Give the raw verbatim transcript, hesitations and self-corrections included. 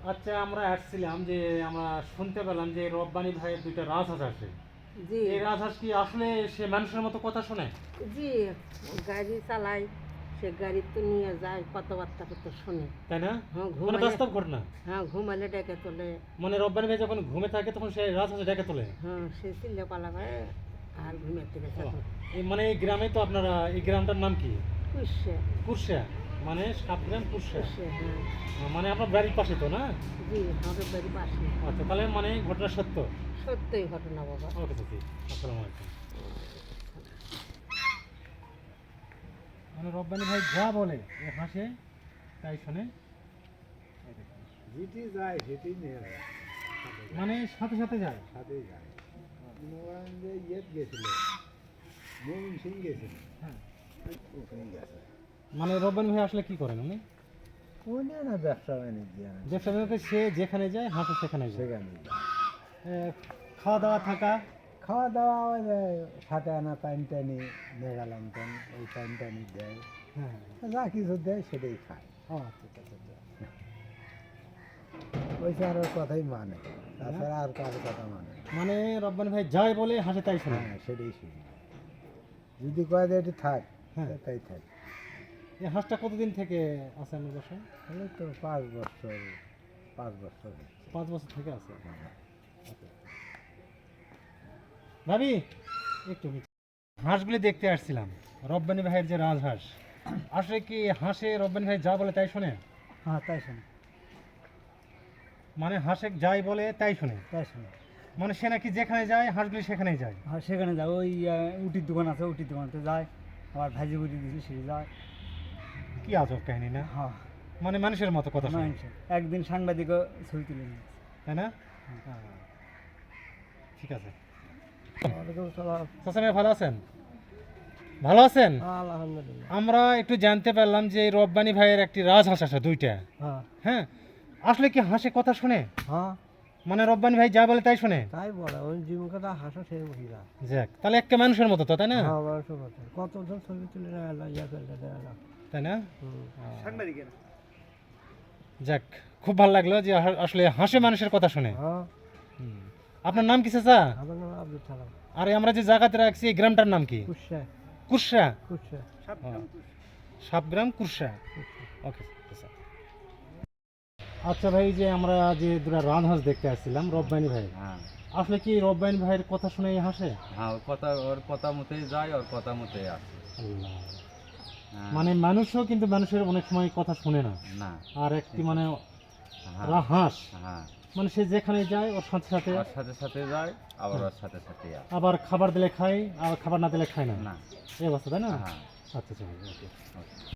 আচ্ছা, আমরা আসছিলাম যে আমরা শুনতে পেলাম যে রব্বানী ভাইয়ের দুইটা রাজহাঁস আছে। জি এই রাজহাঁস কি আসলে সে মানুষের মতো কথা শোনে? জি গাড়ি চালাই, সে গাড়ি তো নিয়ে যায়, কথাবার্তা তো শোনে। তাই না? হ্যাঁ মানে ঘুমালে, বাস্তব ঘটনা। হ্যাঁ ঘুমালে ডেকে তোলে। মানে রব্বানী ভাই যখন ঘুমে থাকে তখন সে রাজহাঁস ডেকে তোলে। হ্যাঁ সে চিল্লে পালা করে আর ঘুমের থেকে ও, চেতন এই মানে এই গ্রামে তো আপনারা, এই গ্রামটার নাম কি? পুষছে কুরশা, মানে সাতগ্রাম কুরশা। পুষছে হ্যাঁ। মানে আপনার বাড়ির পাশে তো না? জি আমাদের বাড়ি বাসি। আচ্ছা, তাহলে মানে ঘটনা সত্য। সত্যই ঘটনা বাবা। ওকে চাচি, আসসালামু আলাইকুম। মানে রব্বানী ভাই যা বলে ও হাসে তাই শোনে। যেটি যায় সেটি নিয়ে যায়, মানে সাথে সাথে যায়। সাথেই যায়। মনে করেন যে ইয়েত গেছিল, মমিন সিং গেছিল, হ্যাঁ, ওখানে গেছে। মানে রব্বানী ভাই আসলে কি করেন উনি? ওই না ব্যবসা বাণিজ্য ব্যবসা বাণিজ্যে সে যেখানে যায় হাঁসও সেখানে যায়। সেখানে যায়। এ, খাওয়া দাওয়া থাকা। খাওয়া দাওয়া ওই যে সাথে আনা পানি টানি মেঘালাম টান ওই পানি টানি দেয়, হ্যাঁ, যা কিছু দেয় সেটাই খায়। ও আচ্ছা আচ্ছা আচ্ছা আচ্ছা। ওই আর কথাই মানে, তাছাড়া আর কারোর কথা মানে না। মানে রব্বানী ভাই যাই বলে হাসে তাই শোনে। হ্যাঁ সেটাই শুনি, যদি কয় যে এটি থাক হ্যাঁ। তাই থাক। এই হাঁসটা কতদিন থেকে আছে আপনার বাসায়? তাহলে তো পাঁচ বছর পাঁচ বছর হচ্ছে। পাঁচ বছর থেকে আছে। হ্যাঁ। আচ্ছা। ভাবি একটু নিচে। হাঁসগুলি দেখতে আসছিলাম, রব্বানী ভাইয়ের যে রাজহাঁস, আসলে কি হাঁসে রব্বানী ভাই যা বলে তাই শোনে? হ্যাঁ তাই শোনে, মানে হাঁসে যাই বলে তাই শোনে। তাই শোনে। মানে সে নাকি যেখানে যায় হাঁসগুলি সেখানেই যায়। হ্যাঁ সেখানে যায়, ওই আহ, উটির দোকান আছে, উটির দোকানতে যায়, আবার ভাজি বুটি দিয়েছি সে যায়। কি আজব কাহিনী না? হ্যাঁ মানে মানুষের মতো কথা শোনে, মানুষ একদিন সাংবাদিকও ছবি তুলে নিয়েছে। তাই না? হ্যাঁ। ঠিক আছে। ওয়ালাইকুম সালাম। চাচা ভাই ভালো আছেন? ভালো আছেন? আলহামদুলিল্লাহ। আমরা একটু জানতে পারলাম যে এই রব্বানী ভাইয়ের একটি রাজহাঁস আছে দুইটা। হ্যাঁ হ্যাঁ, আসলে কি হাঁসে কথা শোনে? হ্যাঁ মানে রব্বানী ভাই যা বলে তাই শোনে? তাই বলে, ওই জীবিকাটা হাসা সেই মহিলা। যাক, তাহলে একটা মানুষের মতো তো, তাই না? হ্যাঁ মানুষের মতো কতজন ছবি তুলে নেয় আল্লাহ, ইয়া ফেলতে দেয় না। তাই না? সাংবাদিকের। যাক, খুব ভালো লাগলো যে আহ- আসলে হাসে মানুষের কথা শুনে। হ্যাঁ হুম। আপনার নাম কি চাচা? আমার নাম আব্দুল সালাম। আর এই আমরা যে জায়গাতে রাখছি এই গ্রামটার নাম কি? কুৎসা কুরসা। কুৎসা সাতগ্রাম কুরসা। ওকে চাচা। আচ্ছা ভাই, যে আমরা যে দুটা রাজহাঁস দেখতে আসছিলাম রব্বানী ভাই, হ্যাঁ আসলে কি রব্বানী ভাইয়ের কথা শুনে এই হাসে? হ্যাঁ ওর কথা ওর কথা মতোই যায়, ওর কথা মতোই আসে। আল্লাহ। হ্যাঁ, মানে মানুষও কিন্তু মানুষের অনেক সময় কথা শুনে না। না আর একটি মানে হ্যাঁ রা- হাঁস, হ্যাঁ মানে সে যেখানে যায় ওর সাথে সাথে, ওর সাথে সাথে যায়, আবার ওর সাথে সাথে আসে। আবার খাবার দিলে খায়, আবার খাবার না দিলে খায় না, না এই অবস্থা, তাই না? হ্যাঁ আচ্ছা আচ্ছা, ওকে। ওকে।